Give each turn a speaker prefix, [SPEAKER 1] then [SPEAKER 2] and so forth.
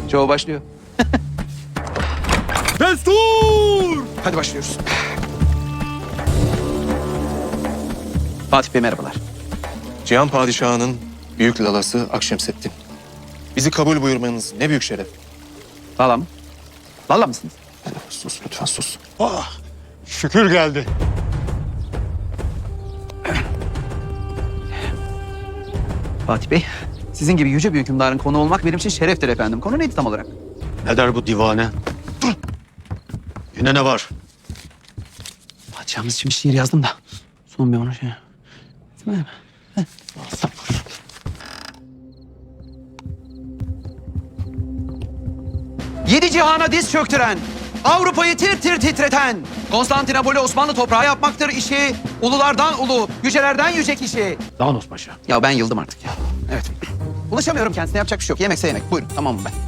[SPEAKER 1] Çoğu başlıyor.
[SPEAKER 2] Destur!
[SPEAKER 1] Hadi başlıyoruz. Fatih Bey merhabalar.
[SPEAKER 3] Cihan Padişahı'nın büyük lalası Akşemseddin. Bizi kabul buyurmanız ne büyük şeref.
[SPEAKER 1] Lala mı? Lala mısınız?
[SPEAKER 3] Sus lütfen sus.
[SPEAKER 2] Ah, şükür geldi.
[SPEAKER 1] Fatih Bey, sizin gibi yüce bir hükümdarın konu olmak benim için şereftir efendim. Konu neydi tam olarak?
[SPEAKER 2] Ne der bu divane? Yine ne var?
[SPEAKER 1] Padişahımız için bir şiir yazdım da. Son bir onu şey... Değil mi? Yedi cihana diz çöktüren, Avrupa'yı tir tir titreten, Konstantinopol'ü Osmanlı toprağı yapmaktır işi, ululardan ulu, yücelerden yüce kişi.
[SPEAKER 2] Danos Paşa.
[SPEAKER 1] Ya ben yıldım artık ya. Evet. Ulaşamıyorum kendisine, yapacak bir şey yok. Yemekse yemek. Buyurun, tamam mı ben?